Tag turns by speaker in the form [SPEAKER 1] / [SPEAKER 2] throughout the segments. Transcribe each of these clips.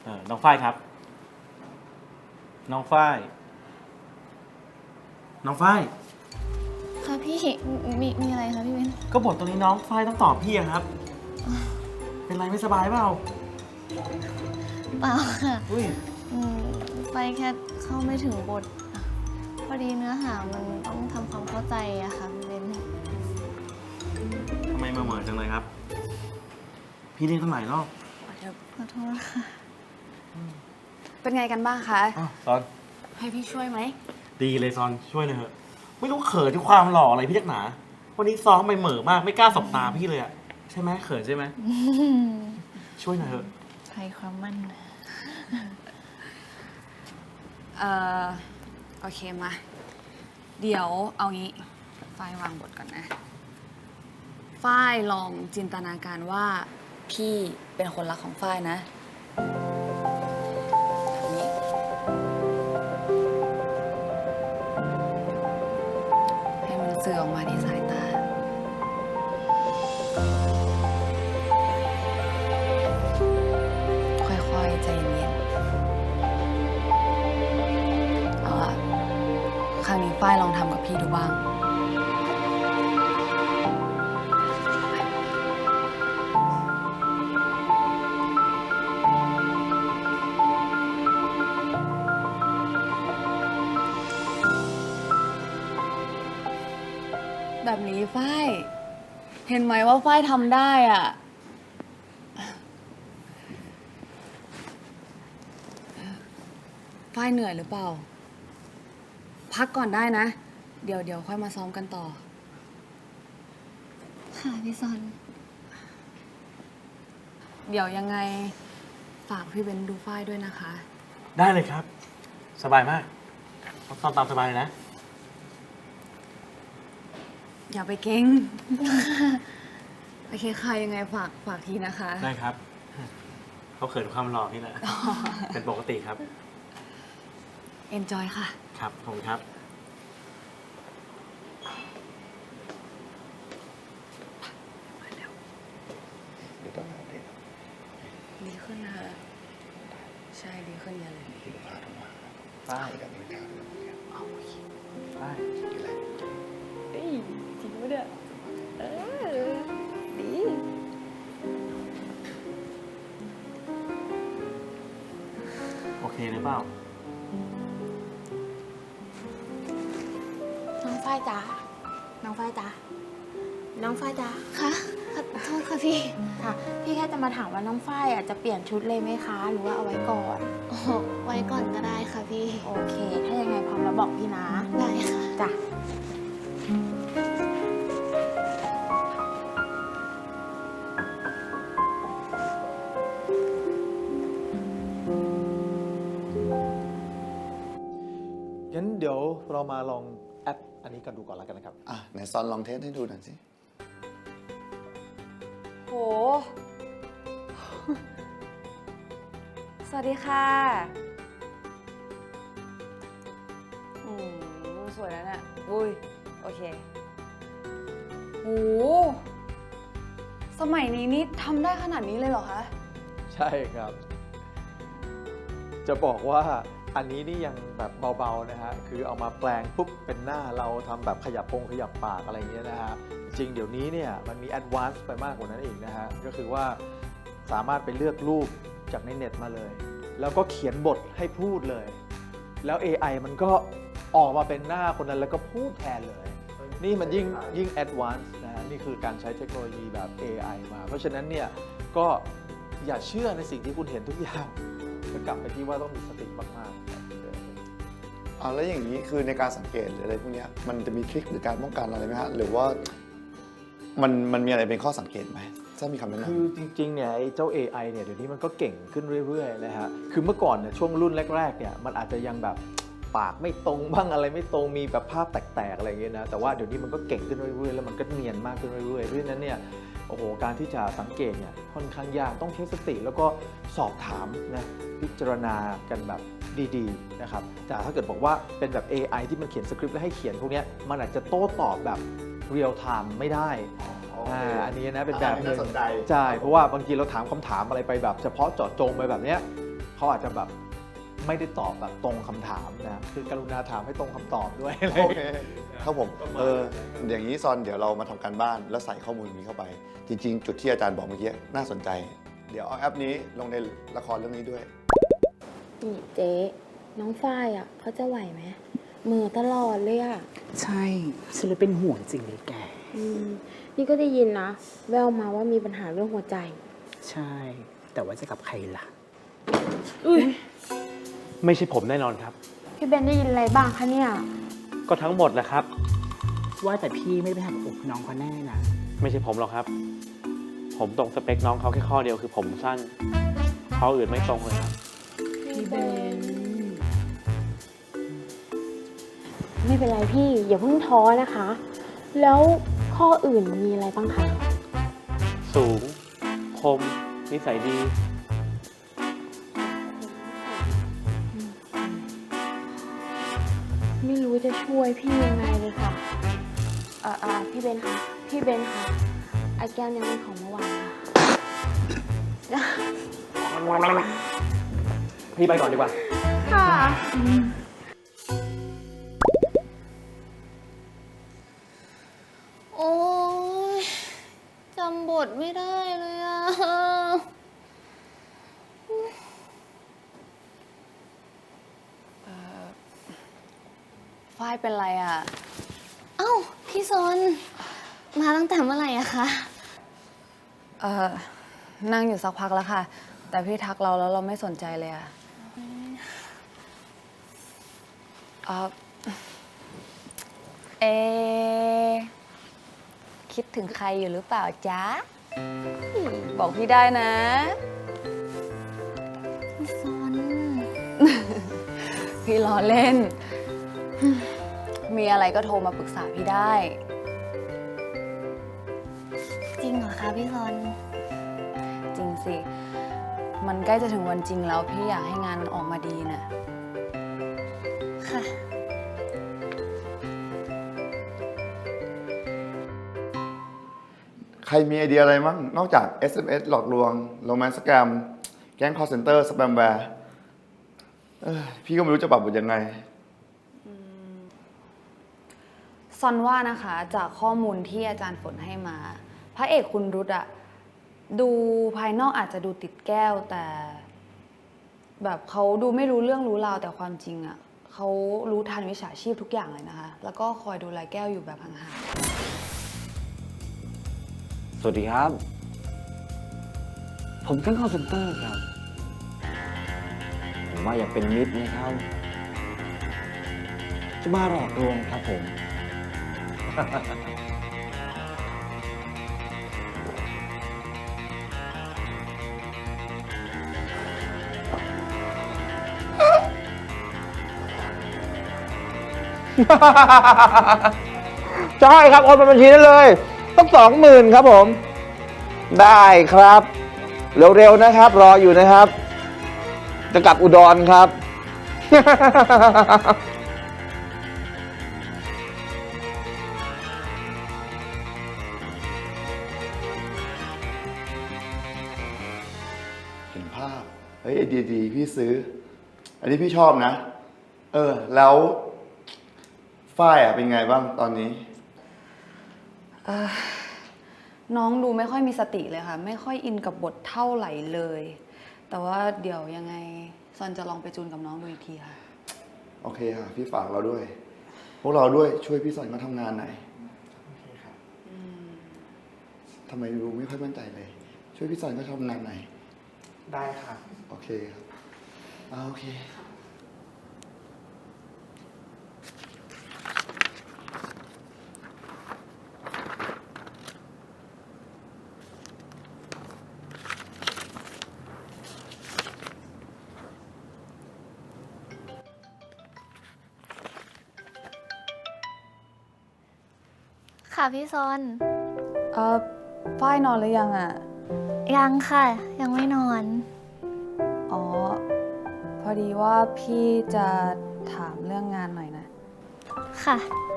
[SPEAKER 1] น้องฝ้ายครับน้องฝ้าย
[SPEAKER 2] ค่ะพี่มีอะไรคะพี่เบน
[SPEAKER 1] ก็บทตรงนี้น้องฝ้ายต้องตอบพี่อะครับ เป็นไรไม่สบายเปล่า
[SPEAKER 2] เปล่าค่ะ
[SPEAKER 1] อุ้ย
[SPEAKER 2] ไปแค่เข้าไม่ถึงบทพอดีเนื้อหามันต้องทำความเข้าใจอะค่ะพี่เบน
[SPEAKER 1] ทำไมมาเหมือนจังเลยครับ พี่เรียกตั้งหลายรอบ
[SPEAKER 2] ขอโทษค่ะ
[SPEAKER 3] เป็นไงกันบ้างคะ
[SPEAKER 1] อ้าวซอน
[SPEAKER 3] ให้พี่ช่วยไหม
[SPEAKER 1] ดีเลยซอนช่วยเลยเถอะไม่รู้เขินที่ความหล่ออะไรพี่นักหนาวันนี้ซ้อมไปเหม่อมากไม่กล้าสบตาพี่เลยอะใช่ไหมเขินใช่ไหมช่วยหน่อยเถอะ
[SPEAKER 2] ใครความมั่น
[SPEAKER 3] โอเคมา เดี๋ยวเอางี้ฝ้ายวางบทก่อนนะ ฝ้ายลองจินตนาการว่าพี่เป็นคนรักของฝ้ายนะแบบนี้ให้มันสื่อออกมาที่สายตา ค่อยๆใจเย็นๆเอาล่ะครั้งนี้ฝ้ายลองทำกับพี่ดูบ้าง แบบนี้ฝ้ายเห็นไหมว่าฝ้ายทำได้อ่ะ ฝ้ายเหนื่อยหรือเปล่า พักก่อนได้นะ เดี๋ยวค่อยมาซ้อมกันต่อ
[SPEAKER 2] ค่ะพี่ซอน
[SPEAKER 3] เดี๋ยวยังไงฝากพี่เบนดูฝ้ายด้วยนะคะ
[SPEAKER 1] ได้เลยครับ สบายมากซ้อมตามสบายเลยนะ
[SPEAKER 3] อย่าไปเก่ง โอเคค่ะยังไงฝากทีนะคะ
[SPEAKER 1] ได้ครับเขาเขินความหล่อนี่แหละ เป็นปกติครับ
[SPEAKER 3] enjoy ค่ะ
[SPEAKER 1] ครับผมครับ
[SPEAKER 4] เดี๋ยวต้องหาเด็ก
[SPEAKER 3] ดีขึ้นนะคะใช่ดีขึ้นเยอะเลย
[SPEAKER 4] ที่ลูกค้าโทรมา
[SPEAKER 1] ฝ้าย
[SPEAKER 4] กับลูกค้าโทรมา
[SPEAKER 3] เอาโอเค
[SPEAKER 1] ฝ้าย
[SPEAKER 4] มีอะไร
[SPEAKER 3] เอ้ยจริงปะเนี่ยดี
[SPEAKER 1] โอเคหรือเปล่า
[SPEAKER 5] น้องฝ้ายจ๋า น้องฝ้ายจ๋า น้องฝ้ายจ๋า
[SPEAKER 2] ค่ะขอโทษค่ะพี่
[SPEAKER 5] ค่ะ พี่แค่จะมาถามว่าน้องฝ้ายจะเปลี่ยนชุดเลยไหมคะ หรือว่าเอาไว้ก่อน
[SPEAKER 2] โอ้โหไว้ก่อนก็ได้ค่ะพี่
[SPEAKER 5] โอเค ถ้ายังไงพร้อมแล้วบอกพี่นะ
[SPEAKER 2] ได้ค่ะ
[SPEAKER 5] จ้ะ
[SPEAKER 6] งั้นเดี๋ยวเรามาลองแอปอันนี้กันดูก่อนแล้วกันนะครับ
[SPEAKER 4] ไหนซอนลองเทสให้ดูหน่อยสิ
[SPEAKER 3] โห สวัสดีค่ะ สวยแล้วเนี่ยอุ้ย โอเคโหสมัยนี้นี่ทำได้ขนาดนี้เลยเหรอคะ
[SPEAKER 6] ใช่ครับ จะบอกว่าอันนี้นี่ยังแบบเบาๆนะฮะ คือเอามาแปลงปุ๊บเป็นหน้าเราทำแบบขยับปากอะไรอย่างเงี้ยนะฮะ จริงเดี๋ยวนี้เนี่ยมันมีแอดวานซ์ไปมากกว่านั้นอีกนะฮะ ก็คือว่าสามารถไปเลือกรูปจากในเน็ตมาเลย แล้วก็เขียนบทให้พูดเลย แล้ว AI มันก็ออกมาเป็นหน้าคนนั้นแล้วก็พูดแทนเลย นี่มันยิ่งแอดวานซ์นะฮะ นี่คือการใช้เทคโนโลยีแบบ AI มา เพราะฉะนั้นเนี่ยก็อย่าเชื่อในสิ่งที่คุณเห็นทุกอย่างจะกลับไปที่ว่าต้องมีสติมากๆ
[SPEAKER 4] แล้วอย่างนี้คือในการสังเกตหรืออะไรพวกเนี้ยมันจะมีทริคหรือการป้องกันอะไรไหมฮะ หรือว่ามันมีอะไรเป็นข้อสังเกตไหมถ้ามีคำแนะนำ
[SPEAKER 6] คือจริงๆเนี่ยไอ้เจ้า AI เนี่ยเดี๋ยวนี้มันก็เก่งขึ้นเรื่อยๆนะฮะ คือเมื่อก่อนเนี่ยช่วงรุ่นแรกๆเนี่ยมันอาจจะยังแบบปากไม่ตรงบ้างอะไรไม่ตรงมีแบบภาพแตกๆอะไรอย่างเงี้ยนะ แต่ว่าเดี๋ยวนี้มันก็เก่งขึ้นเรื่อยๆแล้วมันก็เนียนมากขึ้นเรื่อยๆเพราะฉะนั้นเนี่ยโอ้โหการที่จะสังเกตเนี่ยค่อนข้างยากต้องใช้สติแล้วก็สอบถามนะพิจารณากันแบบดีๆนะครับแต่ถ้าเกิดบอกว่าเป็นแบบ AI ที่มันเขียนสคริปต์แล้วให้เขียนพวกเนี้ยมันอาจจะโต้ตอบแบบเรียลไทม์ไม่ได้อันนี้นะเป็นแบบนึงใช่เพราะว่าบางทีเราถามคำถามอะไรไปแบบเฉพาะเจาะจงไปแบบเนี้ยเขเขาอาจจะแบบไม่ได้ตอบแบบตรงคำถามนะคือกรุณาถามให้ตรงคำตอบด้วย
[SPEAKER 4] โอเคครับผมอย่างนี้ซอนเดี๋ยวเรามาทำการบ้านแล้วใส่ข้อมูลนี้เข้าไป จริง ๆ จุดที่อาจารย์บอกเมื่อกี้น่าสนใจ เดี๋ยวเอาแอปนี้ลงในละครเรื่องนี้ด้วย
[SPEAKER 5] นี่เจ๊น้องฝ้ายอ่ะเขาจะไหวไหมมือตลอดเลยอ่ะ
[SPEAKER 7] ใช่ฉันเลยเป็นห่วงจริงเลยแก
[SPEAKER 5] นี่ก็ได้ยินนะ แววมาว่ามีปัญหาเรื่องหัวใจ
[SPEAKER 7] ใช่ แต่ว่าจะกับใครล่ะ
[SPEAKER 8] ไม่ใช่ผมแน่นอนครับ
[SPEAKER 5] พี่เบนได้ยินอะไรบ้างคะเนี่ย
[SPEAKER 8] ก็ทั้งหมดแหละครับ
[SPEAKER 7] ว่าแต่พี่ไม่ได้ไปหักอกน้องเขาแน่นะ
[SPEAKER 8] ไม่ใช่ผมหรอกครับ ผมตรงสเปคน้องเขาแค่ข้อเดียวคือผมสั้นข้ออื่นไม่ตรงเลยครับ
[SPEAKER 5] พี่เบน ไม่เป็นไรพี่ อย่าเพิ่งท้อนะคะ แล้วข้ออื่นมีอะไรบ้างคะ
[SPEAKER 8] สูง คม นิสัยดี
[SPEAKER 5] ไม่รู้จะช่วยพี่ยังไงเลยค่ะพี่เบนค่ะ พี่เบนค่ะไอ้แก้วเนี่ยมันของเมื่อวานค่ะ
[SPEAKER 8] พี่ไปก่อนดีกว่า
[SPEAKER 5] ค่ะ
[SPEAKER 2] โอ้ยจำบทไม่ได้เลยอะ
[SPEAKER 3] ฝ้ายเป็นไรอ่ะ
[SPEAKER 2] เอ้า พี่ซนมาตั้งแต่เมื่อไหร่อะคะ
[SPEAKER 3] นั่งอยู่สักพักแล้วค่ะ แต่พี่ทักเราแล้วเราไม่สนใจเลยอ่ะเอะคิดถึงใครอยู่หรือเปล่าจ๊ะ บอกพี่ได้นะ
[SPEAKER 2] พี่ซน
[SPEAKER 3] พี่ล้อเล่น มีอะไรก็โทรมาปรึกษาพี่ได้
[SPEAKER 2] จริงเหรอคะพี่ซน
[SPEAKER 3] จริงสิ มันใกล้จะถึงวันจริงแล้วพี่อยากให้งานมันออกมาดีน่ะ
[SPEAKER 2] ค่ะ
[SPEAKER 4] ใครมีไอเดียอะไรมั้งนอกจาก SMS หลอกลวงโรแมนต์สแกมแก๊ง call center สแปมแวร์พี่ก็ไม่รู้จะปรับบทยังไง
[SPEAKER 3] ซอนว่านะคะจากข้อมูลที่อาจารย์ฝนให้มา พระเอกคุณรุตอะดูภายนอกอาจจะดูติดแก้วแต่แบบเขาดูไม่รู้เรื่องรู้ราวแต่ความจริงอะเขารู้ทันวิชาชีพทุกอย่างเลยนะคะ แล้วก็คอยดูแลแก้วอยู่แบบห่าง
[SPEAKER 9] สวัสดีครับ ผมแก๊งคอลเซ็นเตอร์ครับ ผมว่าอยากเป็นมิตรนะครับ จะมาหลอกลวงครับผม
[SPEAKER 6] ใช่ครับโอนเป็นบัญชีได้เลยต้อง20,000ครับผม ได้ครับ เร็วๆนะครับ รออยู่นะครับ จะกลับอุดรครับ
[SPEAKER 4] เห็นภาพ เฮ้ยไอเดียดีพี่ซื้อ อันนี้พี่ชอบนะ แล้วฝ้ายเป็นไงบ้างตอนนี้
[SPEAKER 3] ๆน้องดูไม่ค่อยมีสติเลยค่ะ ไม่ค่อยอินกับบทเท่าไหร่เลย แต่ว่าเดี๋ยวยังไงซอนจะลองไปจูนกับน้องดูอีกทีค่ะ
[SPEAKER 4] โอเคค่ะ พี่ฝากเราด้วย พวกเราด้วยช่วยพี่สอนเขาทำงานหน่อยทำไมดูไม่ค่อยมั่นใจเลย ช่วยพี่สอนเขาทำงานหน่อย
[SPEAKER 1] ได้ค่ะ
[SPEAKER 4] โอเคครับโอเค
[SPEAKER 2] ค่ะพี่ซน
[SPEAKER 3] ฝ้ายนอนหรือยังอ่ะ
[SPEAKER 2] ยังค่ะ ยังไม่นอน
[SPEAKER 3] อ๋อ พอดีว่าพี่จะถามเรื่องงานหน่อยนะ
[SPEAKER 2] ค่ะ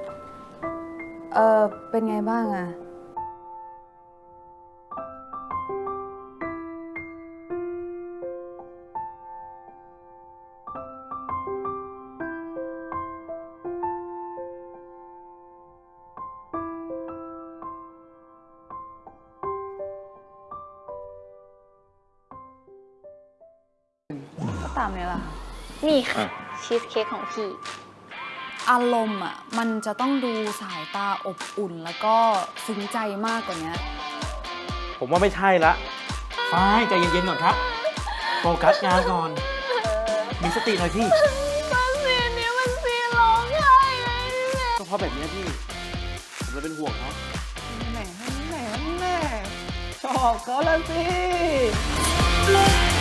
[SPEAKER 3] เป็นไงบ้างอ่ะตามนี้แหละค่ะ
[SPEAKER 2] นี่ค่ะชีสเค้กของพี่
[SPEAKER 3] อารมณ์อ่ะมันจะต้องดูสายตาอบอุ่นแล้วก็ซึ้งใจมากกว่านี้
[SPEAKER 8] ผมว่าไม่ใช่ละ
[SPEAKER 1] ฝ้ายใจเย็นๆก่อนครับ โฟกัสงานก่อน มีสติหน่อยพี่
[SPEAKER 2] มันซีนนี้มันซีนร้องไห้เลย
[SPEAKER 8] ก็เพราะแบบนี้พี่ ผมเลยเป็นห่วงเขา
[SPEAKER 7] ชอบเขาแล้วสิ